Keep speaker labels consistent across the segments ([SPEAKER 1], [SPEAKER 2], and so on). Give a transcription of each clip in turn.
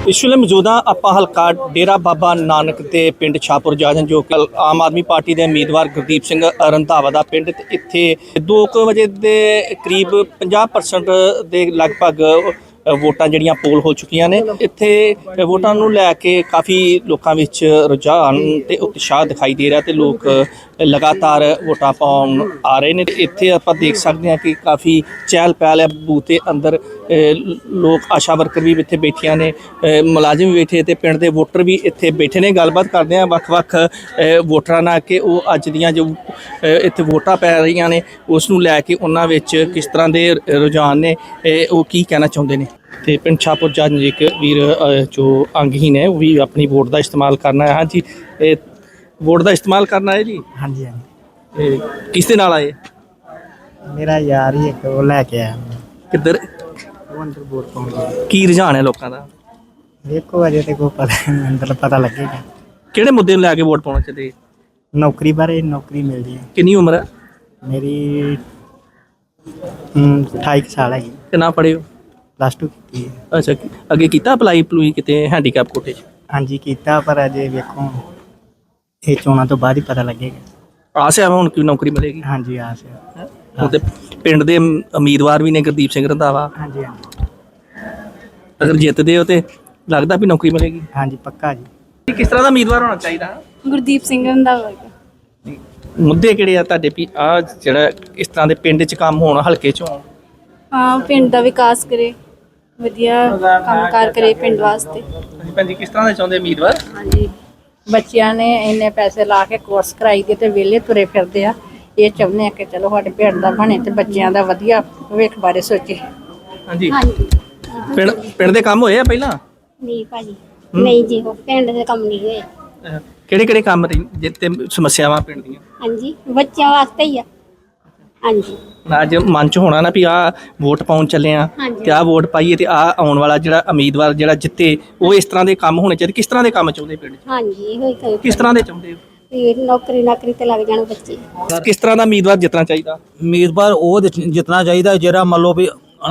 [SPEAKER 1] ਇਸ ਵੇਲੇ ਮੌਜੂਦਾ ਆਪਾਂ ਹਲਕਾ ਡੇਰਾ ਬਾਬਾ ਨਾਨਕ ਦੇ ਪਿੰਡ ਸ਼ਾਹਪੁਰ ਜਾਜਨ ਜੋ ਕਿ ਆਮ ਆਦਮੀ ਪਾਰਟੀ ਦੇ ਉਮੀਦਵਾਰ ਗੁਰਦੀਪ ਸਿੰਘ ਰੰਧਾਵਾ ਦਾ ਪਿੰਡ ਤੇ ਇੱਥੇ 2 ਵਜੇ ਦੇ ਕਰੀਬ 50% ਦੇ ਲਗਭਗ ਵੋਟਾਂ ਜਿਹੜੀਆਂ ਪੋਲ ਹੋ ਚੁੱਕੀਆਂ ਨੇ। ਇੱਥੇ ਵੋਟਾਂ ਨੂੰ ਲੈ ਕੇ ਕਾਫੀ ਲੋਕਾਂ ਵਿੱਚ ਰੁਝਾਨ ਤੇ ਉਤਸ਼ਾਹ ਦਿਖਾਈ ਦੇ ਰਿਹਾ ਤੇ ਲੋਕ ਲਗਾਤਾਰ ਵੋਟਾਂ ਪਾਉਣ ਆ ਰਹੇ ਨੇ। ਇੱਥੇ ਆਪਾਂ ਦੇਖ ਸਕਦੇ ਹਾਂ ਕਿ ਕਾਫੀ ਚਹਿਲ ਪਹਿਲ ਹੈ ਬੂਥ ਦੇ ਅੰਦਰ। ਲੋਕ ਆਸ਼ਾ ਵਰਕਰ ਵੀ ਇੱਥੇ ਬੈਠੀਆਂ ਨੇ, ਮੁਲਾਜ਼ਮ ਵੀ ਬੈਠੇ ਤੇ ਪਿੰਡ ਦੇ ਵੋਟਰ ਵੀ ਇੱਥੇ ਬੈਠੇ ਨੇ। ਗੱਲਬਾਤ ਕਰਦੇ ਹਾਂ ਵੱਖ-ਵੱਖ ਵੋਟਰਾਂ ਨਾਲ ਕਿ ਉਹ ਅੱਜ ਦੀਆਂ ਜੋ ਇੱਥੇ ਵੋਟਾਂ ਪੈ ਰਹੀਆਂ ਨੇ ਉਸ ਨੂੰ ਲੈ ਕੇ ਉਹਨਾਂ ਵਿੱਚ ਕਿਸ ਤਰ੍ਹਾਂ ਦੇ ਰੁਝਾਨ ਨੇ, ਉਹ ਕੀ ਕਹਿਣਾ ਚਾਹੁੰਦੇ ਨੇ। ਤੇ ਪਿੰਡ ਸ਼ਾਹਪੁਰ ਜਾਜਨ ਇੱਕ ਵੀਰ ਜੋ ਅੰਗਹੀਨ ਹੈ ਉਹ ਵੀ ਆਪਣੀ ਵੋਟ ਦਾ ਇਸਤੇਮਾਲ ਕਰਨਾ ਹੈ। ਹਾਂਜੀ, ਇਹ ਵੋਟ ਦਾ ਇਸਤੇਮਾਲ ਕਰਨਾ ਹੈ ਜੀ।
[SPEAKER 2] ਹਾਂਜੀ ਹਾਂਜੀ।
[SPEAKER 1] ਇਹ ਕਿਸ ਦੇ ਨਾਲ ਆਏ?
[SPEAKER 2] ਮੇਰਾ ਯਾਰ ਹੀ ਇੱਕ ਉਹ ਲੈ ਕੇ ਆਇਆ।
[SPEAKER 1] ਕਿੱਧਰ
[SPEAKER 2] ਉਹ ਅੰਦਰ ਵੋਟ ਪਾਉਣ ਗਿਆ।
[SPEAKER 1] ਕੀ ਰੁਝਾਨ ਹੈ ਲੋਕਾਂ ਦਾ?
[SPEAKER 2] ਵੇਖੋ ਅਜੇ ਤੇ ਕੋਈ ਪਤਾ ਨਹੀਂ, ਅੰਦਰ ਪਤਾ ਲੱਗੇਗਾ।
[SPEAKER 1] ਕਿਹੜੇ ਮੁੱਦੇ ਨੂੰ ਲੈ ਕੇ ਵੋਟ ਪਾਉਣਾ ਚਾਹੀਦੇ?
[SPEAKER 2] ਨੌਕਰੀ ਬਾਰੇ, ਨੌਕਰੀ ਮਿਲਦੀ ਹੈ।
[SPEAKER 1] ਕਿੰਨੀ ਉਮਰ ਹੈ?
[SPEAKER 2] ਮੇਰੀ 28 ਸਾਲ ਹੈਗੀ।
[SPEAKER 1] ਕਿੰਨਾ ਪੜ੍ਹੇ ਹੋ?
[SPEAKER 2] +2 ਕੀਤੀ ਹੈ।
[SPEAKER 1] ਅੱਛਾ, ਅੱਗੇ ਕੀਤਾ ਅਪਲਾਈ ਪਲੂਈ ਕਿਤੇ ਹੈਂਡੀਕੈਪ ਕੋਟੇ 'ਚ?
[SPEAKER 2] ਹਾਂਜੀ ਕੀਤਾ, ਪਰ ਅਜੇ ਵੇਖੋ ਇਹ ਚੋਣਾਂ ਤੋਂ ਬਾਅਦ ਹੀ ਪਤਾ ਲੱਗੇਗਾ।
[SPEAKER 1] ਆਸ ਹੈ ਹੁਣ ਕਿ ਨੌਕਰੀ ਮਿਲੇਗੀ?
[SPEAKER 2] ਹਾਂਜੀ ਆਸ ਹੈ।
[SPEAKER 1] ਹੁਣ ਤੇ ਪਿੰਡ ਦੇ ਉਮੀਦਵਾਰ ਵੀ ਨੇ ਗੁਰਦੀਪ ਸਿੰਘ ਰੰਧਾਵਾ।
[SPEAKER 2] ਹਾਂਜੀ ਹਾਂਜੀ
[SPEAKER 1] ਅਗਰ ਜਿੱਤਦੇ ਹੋ ਤੇ ਲੱਗਦਾ ਵੀ ਨੌਕਰੀ ਮਿਲੇਗੀ?
[SPEAKER 2] ਹਾਂਜੀ ਪੱਕਾ ਜੀ।
[SPEAKER 1] ਕਿਸ ਤਰ੍ਹਾਂ ਦਾ ਉਮੀਦਵਾਰ ਹੋਣਾ ਚਾਹੀਦਾ?
[SPEAKER 3] ਗੁਰਦੀਪ ਸਿੰਘ ਰੰਧਾਵਾ।
[SPEAKER 1] ਮੁੱਦੇ ਕਿਹੜੇ ਆ ਤੁਹਾਡੇ ਵੀ ਆ ਜਿਹੜਾ ਇਸ ਤਰ੍ਹਾਂ ਦੇ ਪਿੰਡ 'ਚ ਕੰਮ ਹੋਣ, ਹਲਕੇ 'ਚ ਹੋਣ?
[SPEAKER 3] ਹਾਂ, ਪਿੰਡ ਦਾ ਵਿਕਾਸ ਕਰੇ, ਵਧੀਆ ਕੰਮਕਾਰ ਕਰੇ ਪਿੰਡ ਵਾਸਤੇ।
[SPEAKER 1] ਹਾਂਜੀ ਭੈਣ ਜੀ, ਕਿਸ ਤਰ੍ਹਾਂ ਦੇ ਚਾਹੁੰਦੇ ਉਮੀਦਵਾਰ?
[SPEAKER 4] ਹਾਂਜੀ, ਬੱਚਿਆਂ ਨੇ ਇੰਨੇ ਪੈਸੇ ਲਾ ਕੇ ਕੋਰਸ ਕਰਾਈ ਦੇ ਤੇ ਵਿਹਲੇ ਤੁਰੇ ਫਿਰਦੇ ਆ। ਇਹ ਚਾਹੁੰਦੇ ਆ ਕਿ ਚਲੋ ਸਾਡੇ ਪਿੰਡ ਦਾ ਬਣੇ ਤੇ ਬੱਚਿਆਂ ਦਾ ਵਧੀਆ ਭਵਿੱਖ ਬਾਰੇ ਸੋਚੇ।
[SPEAKER 1] ਹਾਂਜੀ,
[SPEAKER 5] ਹਾਂਜੀ
[SPEAKER 1] ਪਿੰਡ ਦੇ ਕੰਮ ਹੋਏ ਆ ਪਹਿਲਾਂ?
[SPEAKER 5] ਨਹੀਂ ਭਾਜੀ, ਨਹੀਂ ਜੀ, ਉਹ ਪਿੰਡ ਦੇ ਕੰਮ ਨਹੀਂ ਹੋਏ।
[SPEAKER 1] ਕਿਹੜੇ ਕਿਹੜੇ ਕੰਮ ਜਿੱਤੇ ਸਮੱਸਿਆਵਾਂ ਪਿੰਡ ਦੀਆਂ?
[SPEAKER 5] ਹਾਂਜੀ, ਬੱਚਿਆਂ ਵਾਸਤੇ ਹੀ ਆ। ਹਾਂਜੀ
[SPEAKER 1] ਅੱਜ ਮਨ 'ਚ ਹੋਣਾ ਨਾ ਵੀ ਆਹ ਵੋਟ ਪਾਉਣ ਚੱਲੇ ਆ
[SPEAKER 5] ਹਾਂਜੀ।
[SPEAKER 1] ਤੇ ਆਹ ਵੋਟ ਪਾਈਏ ਤੇ ਆਹ ਆਉਣ ਵਾਲਾ ਜਿਹੜਾ ਉਮੀਦਵਾਰ ਜਿਹੜਾ ਜਿੱਤੇ ਉਹ ਇਸ ਤਰ੍ਹਾਂ ਦੇ ਕੰਮ ਹੋਣੇ ਚਾਹੀਦੇ। ਕਿਸ ਤਰ੍ਹਾਂ ਦੇ ਕੰਮ ਚਾਹੁੰਦੇ ਪਿੰਡ 'ਚ?
[SPEAKER 5] ਹਾਂਜੀ, ਹੋਈ ਕੋਈ
[SPEAKER 1] ਕਿਸ ਤਰ੍ਹਾਂ ਦੇ ਚਾਹੁੰਦੇ ਹੋ?
[SPEAKER 5] ਵੀ ਨੌਕਰੀ ਤੇ ਲੱਗ ਜਾਣ ਬੱਚੇ।
[SPEAKER 1] ਕਿਸ ਤਰ੍ਹਾਂ ਦਾ ਉਮੀਦਵਾਰ ਜਿੱਤਣਾ ਚਾਹੀਦਾ?
[SPEAKER 6] ਉਮੀਦਵਾਰ ਉਹ ਜਿੱਤਣਾ ਚਾਹੀਦਾ ਜਿਹੜਾ ਮੰਨ ਲਓ ਵੀ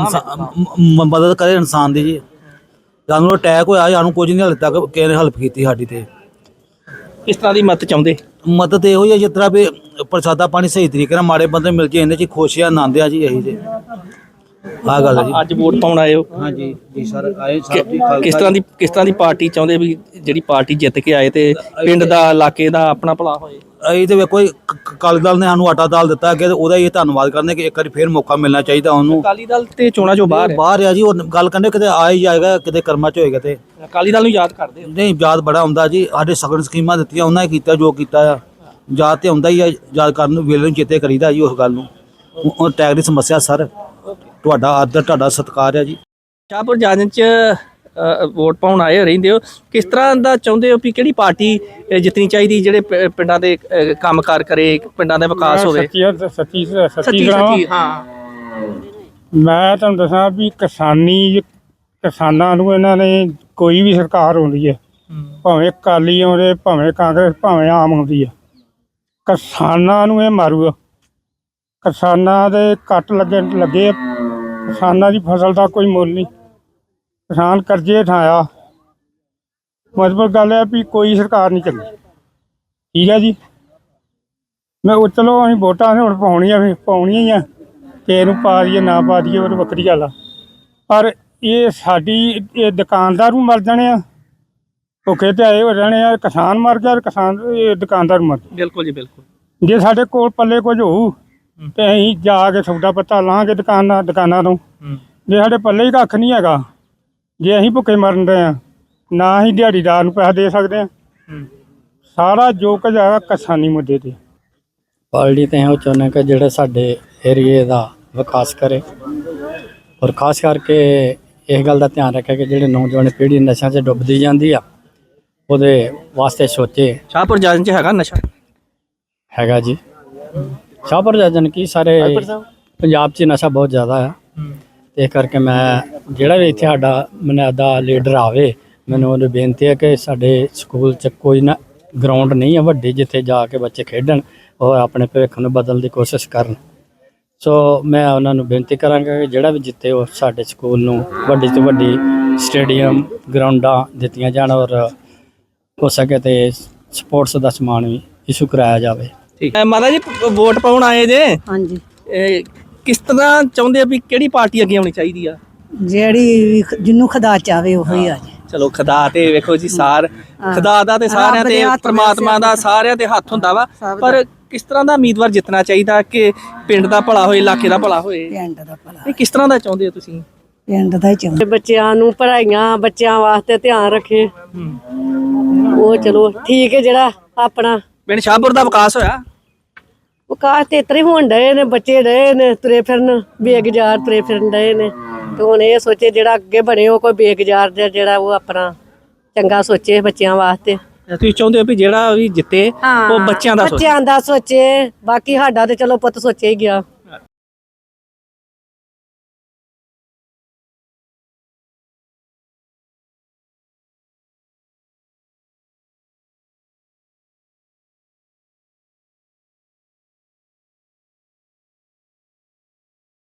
[SPEAKER 6] ਮਦਦ ਕਰੇ ਇਨਸਾਨ ਦੀ ਜੀ। ਸਾਨੂੰ ਅਟੈਕ ਹੋਇਆ, ਸਾਨੂੰ ਕੁਝ ਨਹੀਂ ਹਾਲੇ ਤੱਕ ਕਿਸੇ ਨੇ ਹੈਲਪ ਕੀਤੀ ਸਾਡੀ। ਤੇ
[SPEAKER 1] ਕਿਸ ਤਰ੍ਹਾਂ ਦੀ ਮਦਦ ਚਾਹੁੰਦੇ?
[SPEAKER 6] ਮਦਦ ਇਹੋ ਹੀ ਹੈ ਜਿਸ ਤਰ੍ਹਾਂ ਵੀ ਪ੍ਰਸ਼ਾਦਾ ਪਾਣੀ ਸਹੀ ਤਰੀਕੇ ਨਾਲ ਮਾੜੇ ਬੰਦੇ ਮਿਲ ਜੇ, ਇਹਦੇ 'ਚ ਖੁਸ਼ ਆ, ਆਨੰਦ ਆ ਜੀ। ਇਹੀ ਜੀ ਆਹ ਗੱਲ ਹੈ ਜੀ।
[SPEAKER 1] ਅੱਜ ਵੋਟ ਪਾਉਣ ਆਏ ਹੋ?
[SPEAKER 6] ਹਾਂਜੀ ਜੀ ਸਰ, ਆਏ ਸਾਹਿਬ ਜੀ।
[SPEAKER 1] ਕਿਸ ਤਰ੍ਹਾਂ ਦੀ ਪਾਰਟੀ ਚਾਹੁੰਦੇ ਵੀ ਜਿਹੜੀ ਪਾਰਟੀ ਜਿੱਤ ਕੇ ਆਏ ਤੇ ਪਿੰਡ ਦਾ, ਇਲਾਕੇ ਦਾ ਆਪਣਾ ਭਲਾ ਹੋਏ?
[SPEAKER 6] ਅਸੀਂ ਤੇ ਵੇਖੋ ਅਕਾਲੀ ਦਲ ਨੇ ਸਾਨੂੰ ਆਟਾ ਦਾਲ ਦਿੱਤਾ ਅੱਗੇ, ਤੇ ਉਹਦਾ ਹੀ ਧੰਨਵਾਦ ਕਰਨੇ ਕਿ ਇੱਕ ਵਾਰੀ ਫੇਰ ਮੌਕਾ ਮਿਲਣਾ ਚਾਹੀਦਾ ਉਹਨੂੰ।
[SPEAKER 1] ਅਕਾਲੀ ਦਲ ਤੇ ਚੋਣਾਂ ਚੋਂ ਬਾਹਰ
[SPEAKER 6] ਆ ਜੀ। ਉਹ ਗੱਲ ਕਹਿੰਦੇ ਕਿਤੇ ਆ ਹੀ ਜਾਏਗਾ, ਕਿਤੇ ਕਰਮਾਂ 'ਚ ਹੋਏਗਾ। ਤੇ
[SPEAKER 1] ਅਕਾਲੀ ਦਲ ਨੂੰ ਯਾਦ ਕਰਦੇ ਹੋ?
[SPEAKER 6] ਨਹੀਂ, ਯਾਦ ਬੜਾ ਆਉਂਦਾ ਜੀ। ਸਾਡੇ ਸਗਨ ਸਕੀਮਾਂ ਦਿੱਤੀਆਂ ਉਹਨਾਂ ਨੇ ਕੀਤਾ ਜੋ ਕੀਤਾ ਆ। ਯਾਦ ਤੇ ਆਉਂਦਾ ਹੀ ਆ, ਯਾਦ ਕਰਨ ਨੂੰ ਵੇਲੇ ਨੂੰ ਚੇਤੇ ਕਰੀਦਾ ਜੀ ਉਸ ਗੱਲ ਨੂੰ। ਉਹ ਟੈਗ ਦੀ ਸਮੱਸਿਆ ਸਰ, ਤੁਹਾਡਾ ਆਦਰ, ਤੁਹਾਡਾ ਸਤਿਕਾਰ ਹੈ ਜੀ।
[SPEAKER 1] ਸ਼ਾਹਪੁਰ ਜਾਜਨ 'ਚ ਵੋਟ ਪਾਉਣ ਆਏ ਰਹਿੰਦੇ ਹੋ, ਕਿਸ ਤਰ੍ਹਾਂ ਦਾ ਚਾਹੁੰਦੇ ਹੋ ਵੀ ਕਿਹੜੀ ਪਾਰਟੀ ਜਿੱਤਣੀ ਚਾਹੀਦੀ ਜਿਹੜੇ ਪਿੰਡਾਂ ਦੇ ਕੰਮਕਾਰ ਕਰੇ, ਪਿੰਡਾਂ ਦਾ ਵਿਕਾਸ ਹੋਵੇ?
[SPEAKER 7] ਸੱਚੀ
[SPEAKER 1] ਹਾਂ,
[SPEAKER 7] ਮੈਂ ਤੁਹਾਨੂੰ ਦੱਸਾਂ ਵੀ ਕਿਸਾਨਾਂ ਨੂੰ ਇਹਨਾਂ ਨੇ ਕੋਈ ਵੀ ਸਰਕਾਰ ਆਉਂਦੀ ਹੈ, ਭਾਵੇਂ ਅਕਾਲੀ ਆਉਂਦੇ, ਭਾਵੇਂ ਕਾਂਗਰਸ, ਭਾਵੇਂ ਆਮ ਆਉਂਦੀ ਹੈ, ਕਿਸਾਨਾਂ ਨੂੰ ਇਹ ਮਾਰੂਗਾ। ਕਿਸਾਨਾਂ ਦੇ ਕੱਟ ਲੱਗੇ, ਕਿਸਾਨਾਂ ਦੀ ਫਸਲ ਦਾ ਕੋਈ ਮੁੱਲ ਨਹੀਂ, ਕਿਸਾਨ ਕਰਜ਼ੇ ਠਾਇਆ। ਮਤਲਬ ਗੱਲ ਹੈ ਵੀ ਕੋਈ ਸਰਕਾਰ ਨਹੀਂ ਚੱਲੀ। ਠੀਕ ਹੈ ਜੀ। ਮੈਂ ਉਹ ਚਲੋ ਅਸੀਂ ਵੋਟਾਂ ਹੁਣ ਪਾਉਣੀਆਂ ਹੀ ਆ, ਕਿਸੇ ਨੂੰ ਪਾ ਦਈਏ ਨਾ ਪਾ ਦਈਏ ਉਹ ਵੱਖਰੀ ਗੱਲ ਆ। ਪਰ ਇਹ ਸਾਡੀ ਇਹ ਦੁਕਾਨਦਾਰ ਨੂੰ ਮਰ ਜਾਣੇ ਆ, ਭੁੱਖੇ ਤੇ ਆਏ ਹੋ ਜਾਣੇ ਆ। ਕਿਸਾਨ ਮਰ ਗਿਆ, ਇਹ ਦੁਕਾਨਦਾਰ ਮਰ ਗਿਆ।
[SPEAKER 1] ਬਿਲਕੁਲ ਜੀ, ਬਿਲਕੁਲ।
[SPEAKER 7] ਜੇ ਸਾਡੇ ਕੋਲ ਪੱਲੇ ਕੁਝ ਹੋਊ ਤੇ ਅਸੀਂ ਜਾ ਕੇ ਸੌਦਾ ਪੱਤਾ ਲਾਂਗੇ ਦੁਕਾਨਾਂ ਤੋਂ। ਜੇ ਸਾਡੇ ਪੱਲੇ ਹੀ ਕੱਖ ਨਹੀਂ ਹੈਗਾ, ਜੇ ਅਸੀਂ ਭੁੱਖੇ ਮਰਨ ਦੇ ਆ, ਨਾ ਅਸੀਂ ਦਿਹਾੜੀਦਾਰ ਨੂੰ ਪੈਸਾ ਦੇ ਸਕਦੇ ਹਾਂ। ਸਾਰਾ ਜੋ ਕੁਝ ਹੈਗਾ ਕਿਸਾਨੀ ਮੁੱਦੇ ਤੇ।
[SPEAKER 2] ਪਾਰਟੀ ਤੇ ਉਹ ਚਾਹੁੰਦੇ ਕਿ ਜਿਹੜੇ ਸਾਡੇ ਏਰੀਏ ਦਾ ਵਿਕਾਸ ਕਰੇ, ਔਰ ਖਾਸ ਕਰਕੇ ਇਸ ਗੱਲ ਦਾ ਧਿਆਨ ਰੱਖੇ ਕਿ ਜਿਹੜੇ ਨੌਜਵਾਨ ਪੀੜ੍ਹੀ ਨਸ਼ਿਆਂ 'ਚ ਡੁੱਬਦੀ ਜਾਂਦੀ ਆ ਉਹਦੇ ਵਾਸਤੇ ਸੋਚੇ।
[SPEAKER 1] ਸ਼ਾਹਪੁਰ ਜਾਜਨ 'ਚ ਹੈਗਾ ਨਸ਼ਾ?
[SPEAKER 2] ਹੈਗਾ ਜੀ। ਸ਼ਾਹਪੁਰ ਜਾਜਨ ਕੀ ਸਾਰੇ ਪੰਜਾਬ 'ਚ ਨਸ਼ਾ ਬਹੁਤ ਜ਼ਿਆਦਾ ਆ। ਤੇ ਇਸ ਕਰਕੇ ਮੈਂ ਜਿਹੜਾ ਵੀ ਇੱਥੇ ਸਾਡਾ ਮਨਿਆਦਾ ਲੀਡਰ ਆਵੇ, ਮੈਨੂੰ ਉਹਨੂੰ ਬੇਨਤੀ ਹੈ ਕਿ ਸਾਡੇ ਸਕੂਲ 'ਚ ਕੋਈ ਨਾ ਗਰਾਊਂਡ ਨਹੀਂ ਹੈ ਵੱਡੀ ਜਿੱਥੇ ਜਾ ਕੇ ਬੱਚੇ ਖੇਡਣ ਔਰ ਆਪਣੇ ਭਵਿੱਖ ਨੂੰ ਬਦਲਣ ਦੀ ਕੋਸ਼ਿਸ਼ ਕਰਨ। ਸੋ ਮੈਂ ਉਹਨਾਂ ਨੂੰ ਬੇਨਤੀ ਕਰਾਂਗਾ ਕਿ ਜਿਹੜਾ ਵੀ ਜਿੱਤੇ ਉਹ ਸਾਡੇ ਸਕੂਲ ਨੂੰ ਵੱਡੀ ਤੋਂ ਵੱਡੀ ਸਟੇਡੀਅਮ ਗਰਾਊਂਡਾਂ ਦਿੱਤੀਆਂ ਜਾਣ ਔਰ ਹੋ ਸਕੇ ਤੇ ਸਪੋਰਟਸ ਦਾ ਸਮਾਨ ਵੀ ਇਸ਼ੂ ਕਰਾਇਆ ਜਾਵੇ।
[SPEAKER 1] ਠੀਕ ਹੈ ਮਾਤਾ ਜੀ, ਵੋਟ ਪਾਉਣ ਆਏ ਜੇ।
[SPEAKER 4] ਹਾਂਜੀ,
[SPEAKER 1] ਕਿਸ ਤਰ੍ਹਾਂ ਚਾਹੁੰਦੇ ਆ ਵੀ ਕਿਹੜੀ ਪਾਰਟੀ ਅੱਗੇ ਆਉਣੀ ਚਾਹੀਦੀ ਆ?
[SPEAKER 4] ਜਿਹੜੀ ਜਿਹਨੂੰ ਖੁਦਾ ਚਾਵੇ ਉਹੀ ਆ ਜੀ।
[SPEAKER 1] ਚਲੋ ਖੁਦਾ ਤੇ ਵੇਖੋ ਜੀ, ਖੁਦਾ ਦਾ ਤੇ ਸਾਰਿਆਂ ਤੇ ਪ੍ਰਮਾਤਮਾ ਦਾ ਸਾਰਿਆਂ ਦੇ ਹੱਥ ਹੁੰਦਾ ਵਾ, ਪਰ ਕਿਸ ਤਰ੍ਹਾਂ ਦਾ ਉਮੀਦਵਾਰ ਜਿੱਤਣਾ ਚਾਹੀਦਾ ਕਿ ਪਿੰਡ ਦਾ ਭਲਾ ਹੋਏ, ਇਲਾਕੇ ਦਾ ਭਲਾ ਹੋਏ?
[SPEAKER 4] ਪਿੰਡ ਦਾ ਭਲਾ,
[SPEAKER 1] ਇਹ ਕਿਸ ਤਰ੍ਹਾਂ ਦਾ ਚਾਹੁੰਦੇ ਹੋ ਤੁਸੀਂ?
[SPEAKER 4] ਪਿੰਡ ਦਾ ਹੀ ਚਾਹੁੰਦੇ। ਬੱਚਿਆਂ ਨੂੰ ਪੜ੍ਹਾਈਆਂ, ਬੱਚਿਆਂ ਵਾਸਤੇ ਧਿਆਨ ਰੱਖੇ, ਉਹ ਚਲੋ ਠੀਕ ਹੈ। ਜਿਹੜਾ ਆਪਣਾ
[SPEAKER 1] ਪਿੰਡ ਸ਼ਾਹਪੁਰ ਦਾ ਵਿਕਾਸ ਹੋਇਆ?
[SPEAKER 4] ਵਿਕਾਸ ਤੇ ਇਤਰੇ ਹੋਣ ਡਏ ਨੇ, ਬੱਚੇ ਡਏ ਨੇ ਤੁਰੇ ਫਿਰਨ, ਬੇਗੁਜ਼ਾਰ ਤੁਰੇ ਫਿਰਨ ਡਏ ਨੇ। ਤੇ ਹੁਣ ਇਹ ਸੋਚੇ ਜਿਹੜਾ ਅੱਗੇ ਬਣੇ ਉਹ ਕੋਈ ਬੇਗੁਜ਼ਾਰ ਜਿਹੜਾ ਉਹ ਆਪਣਾ ਚੰਗਾ ਸੋਚੇ ਬੱਚਿਆਂ ਵਾਸਤੇ।
[SPEAKER 1] ਤੁਸੀਂ ਚਾਹੁੰਦੇ ਹੋ ਵੀ ਜਿਹੜਾ ਵੀ ਜਿੱਤੇ ਉਹ ਬੱਚਿਆਂ ਦਾ ਸੋਚੇ?
[SPEAKER 4] ਬੱਚਿਆਂ ਦਾ ਸੋਚੇ, ਬਾਕੀ ਸਾਡਾ ਤੇ ਚਲੋ ਪੁੱਤ ਸੋਚੇ ਹੀ ਗਿਆ।